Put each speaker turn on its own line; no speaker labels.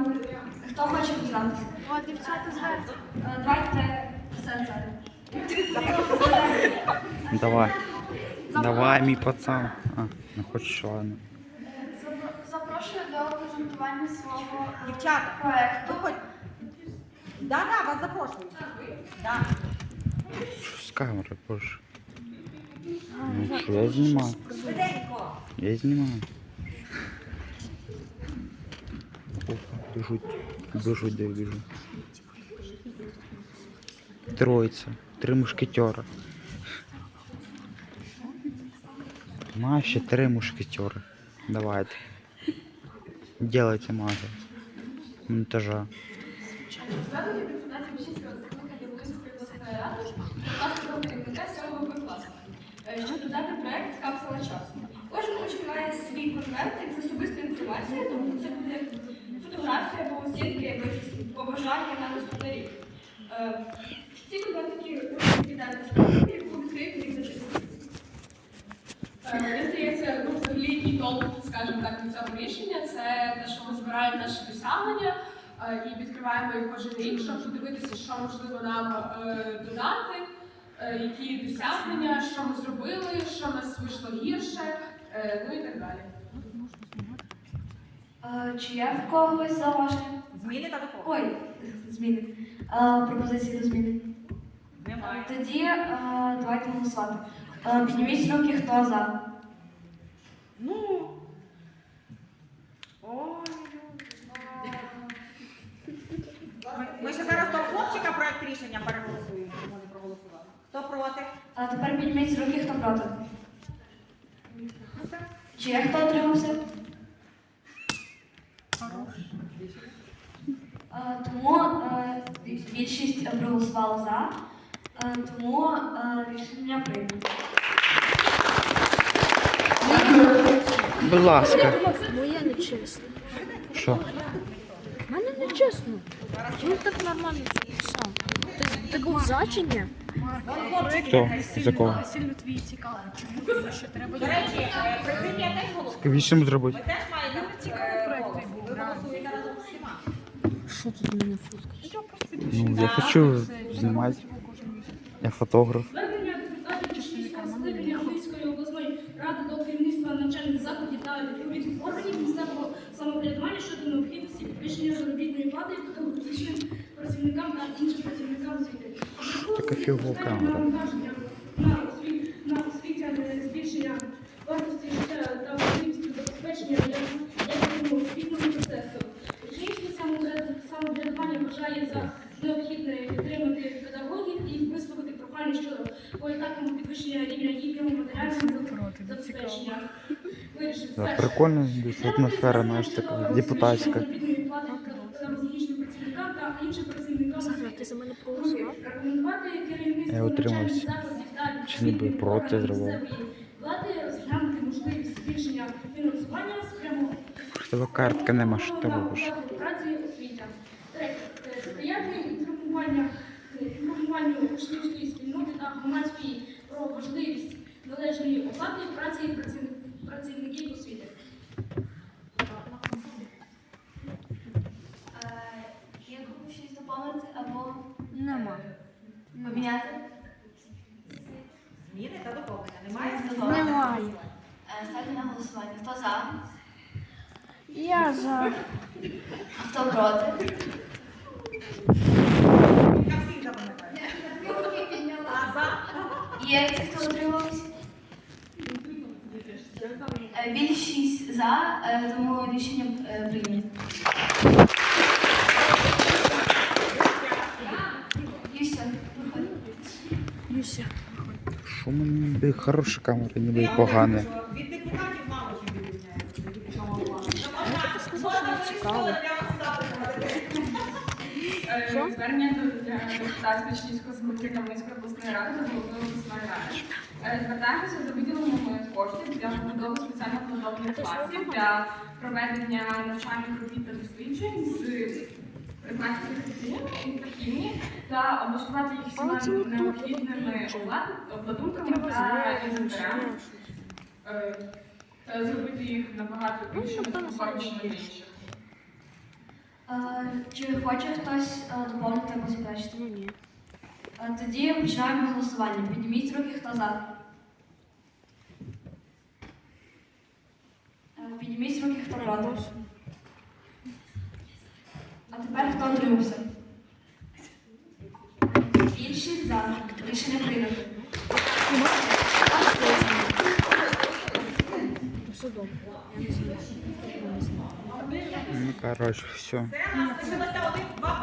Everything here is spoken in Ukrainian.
Хто хоче дізнатися?
О, дівчата зверху.
Давайте все.
Давай. Давай, мій пацан. Не хочеш, ладно.
Запрошую до презентування свого
Дівчата,
проекту.
хто хоч... Да, вас запрошую. Да.
Що з камери, боже? Ну, що я знімаю?
Швиденько.
Я знімаю. Опа, біжуть, де біжу. Троїця, 3 мушкетера. Ще 3 мушкетера. Давайте. Делайте магию. Монтажа.
Щоб додати проєкт «Капсула часу». Кожен учень має свій конвертик з особистою інформацією, тобто це буде фотографія або оцінки, побажання на наступний рік. Ці конвертики віддати справді, яку відкрити і зачитати.
Мені здається, взагалі який толк, скажімо так, від цього рішення, це те, що ми збираємо наші досягнення і відкриваємо їх кожен рік, щоб подивитися, що можливо нам додати, які досягнення, що ми зробили, що в нас вийшло гірше, ну і так далі.
Чи є в когось зауваження?
Зміни та допомоги?
Ой, зміни. Пропозиції до зміни.
Немає.
Тоді давайте голосувати. Підніміть руки, хто за.
Ну. Ой. Ми ще зараз того хлопчика проект рішення переголосуємо, тому не проголосували. Хто проти?
А тепер підніміть руки, хто проти. Чи є хто отримався? Тому більшість проголосувала за, тому рішення прийнято.
Будь ласка.
Моє нечесно.
Що?
У мене нечесно. Чому так нормально писав? Ти був за чи ні?
Хто? За кого?
Сильно твій цікавий. Що треба
До речі, президія теж голосує.
Скажіть, зробити?
Ви теж маєте цікавий проект. Ви голосуєте разом з всіма.
Що тут у мене фотка?
Ну, я хочу знімати. Я фотограф.
Звернення депутатів Чернігівського скликання Львівської обласної ради до керівництва навчальних закладів та відповідних органів місцевого самоврядування щодо необхідності підвищення заробітної плати педагогічним працівникам та іншим працівникам освіти.
Така фігова камера.
На освітяне збільшення вартості життя та можливості забезпечення якісного освітнього процесу. Чернігівське самоврядування вважає за необхідне підтримати педагогів і висловити прохання щодо поетапного підвищення рівня їхнього матеріального забезпечення.
Да, прикольно, десь атмосфера, знаєш, така депутатська.
Педагогічним працівникам та іншим працівникам
Ти за мене проголосував?
рекомендувати керівництву
Я утримався.
навчальних закладів та
Чи ніби проти зробив?
місцевої влади розглянути можливість збільшення фінансування спрямованого
В тебе картки нема, що ти робиш?
праці освіта. Третє. Сприяти інформуванню учнівської спільноти та громадської про важливість належної оплати праці працівників освіти.
Є кому щось доповнити або
Нема.
поміняти?
Зміни та доповнення. Немає?
Немає.
Ставте на голосування. Хто за?
Я за.
Хто проти?
Я всіх запам'ятаю. А за?
Є ті, хто утримався? Більшість за, тому рішення прийнято. Юся, виходь.
Юся.
Що в мене ніби хороша камера, ніби і погана.
Від депутатів мало чим відрізняється.
Я сказав, що не цікаво.
Звернення до депутатського Чернігівського скликання Хмельницької обласної ради та головної обласної ради. Звертаємося за виділенням коштів для побудови спеціально планованих класів для проведення навчальних робіт та досліджень з предметів інтерактивні та облаштувати їх всіма необхідними обладунками та інвентарем. Зробити їх набагато більшими та комфортнішими для інших.
Чи хоче хтось доповнити або заперечити?
Ну ні.
Тоді починаємо голосування. Підніміть руки, хто за. Підніміть руки, хто проти. А тепер хто утримався? Більшість за. Рішення прийнято.
Все добре. Я не знаю.
Ну, коротше, все.
Це у нас лишилося 1-2